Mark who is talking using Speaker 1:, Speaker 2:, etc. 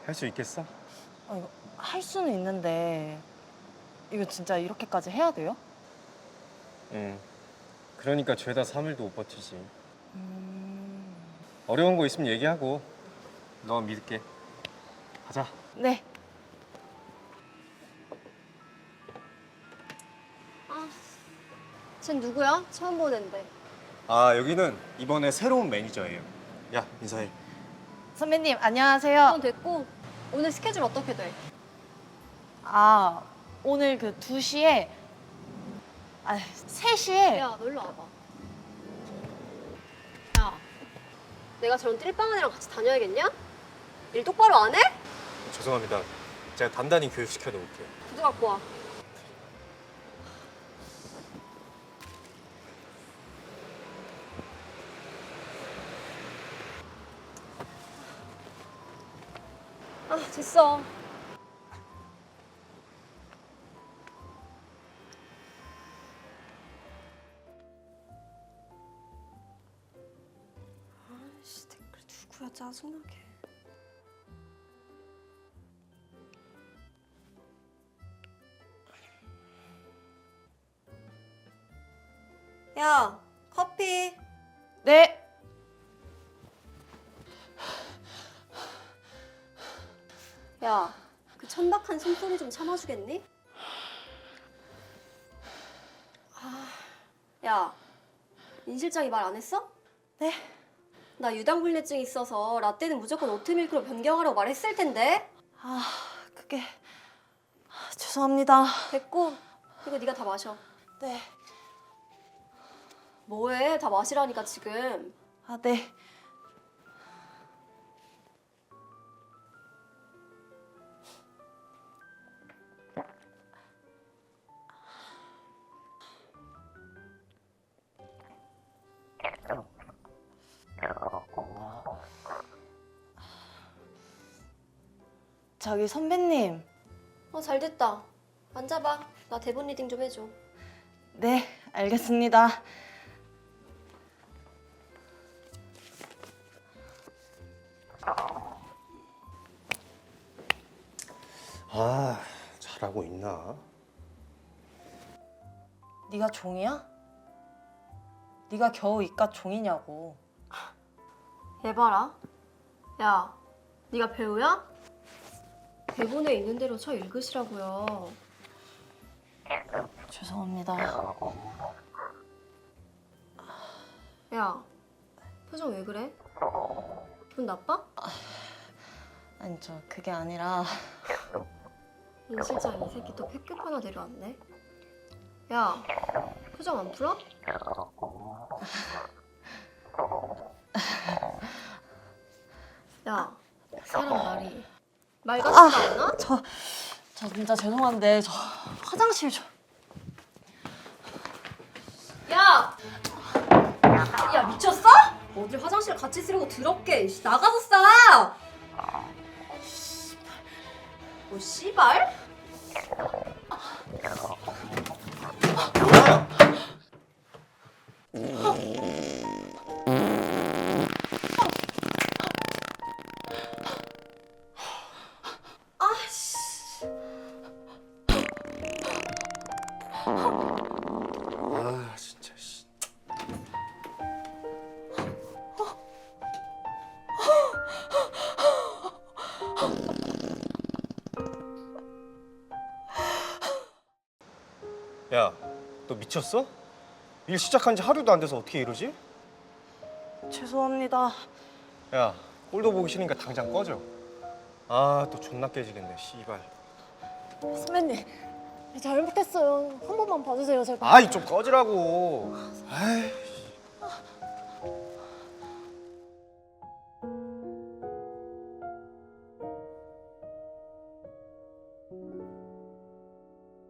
Speaker 1: 할 수 있겠어?
Speaker 2: 이거 할 수는 있는데 이거 진짜 이렇게까지 해야 돼요?
Speaker 1: 응. 그러니까 죄다 3일도 못 버티지. 어려운 거 있으면 얘기하고 너 믿을게. 가자.
Speaker 2: 네.
Speaker 3: 쟨 누구야? 처음 보는데.
Speaker 1: 아, 여기는 이번에 새로운 매니저예요. 야, 인사해.
Speaker 2: 선배님 안녕하세요.
Speaker 3: 그건 됐고 오늘 스케줄 어떻게 돼?
Speaker 2: 아 오늘 그 2시에 3시에
Speaker 3: 야, 너 일로 와봐. 야, 내가 저런 띨빵한 애랑 같이 다녀야겠냐? 일 똑바로 안 해?
Speaker 1: 죄송합니다. 제가 단단히 교육시켜 놓을게요.
Speaker 3: 구두 갖고 와. 아, 됐어. 아이씨, 댓글 누구야, 짜증나게. 야, 커피.
Speaker 2: 네.
Speaker 3: 야, 그 천박한 숨소리 좀 참아주겠니? 야, 인 실장이 말 안 했어?
Speaker 2: 네.
Speaker 3: 나 유당불내증 있어서 라떼는 무조건 오트밀크로 변경하라고 말했을 텐데.
Speaker 2: 그게 죄송합니다.
Speaker 3: 됐고, 이거 네가 다 마셔.
Speaker 2: 네.
Speaker 3: 뭐해? 다 마시라니까 지금.
Speaker 2: 네. 저기 선배님.
Speaker 3: 잘 됐다. 앉아봐. 나 대본 리딩 좀 해줘.
Speaker 2: 네, 알겠습니다.
Speaker 1: 아, 잘하고 있나?
Speaker 2: 네가 종이야? 네가 겨우 이깟 종이냐고.
Speaker 3: 얘 봐라. 야, 네가 배우야? 대본에 있는 대로 쳐 읽으시라고요.
Speaker 2: 죄송합니다.
Speaker 3: 야, 표정 왜 그래? 기분 나빠?
Speaker 2: 아니 그게 아니라
Speaker 3: 인 실장 이 새끼 또 패급 하나 데려왔네. 야, 표정 안 풀어? 야, 사람 말이 말 같지가 않아?
Speaker 2: 저 진짜 죄송한데 저 화장실 좀.
Speaker 3: 야! 야, 미쳤어? 어딜 화장실 같이 쓰려고 더럽게. 나가서 싸! 뭐 씨발?
Speaker 1: 아, 진짜 씨. 야, 너 미쳤어? 일 시작한 지 하루도 안 돼서 어떻게 이러지?
Speaker 2: 죄송합니다.
Speaker 1: 야, 꼴도 보기 싫으니까 당장 꺼져. 아, 또 존나 깨지겠네, 씨발.
Speaker 2: 선배님 잘못했어요. 한 번만 봐주세요 제발.
Speaker 1: 아이, 좀 꺼지라고. 아이.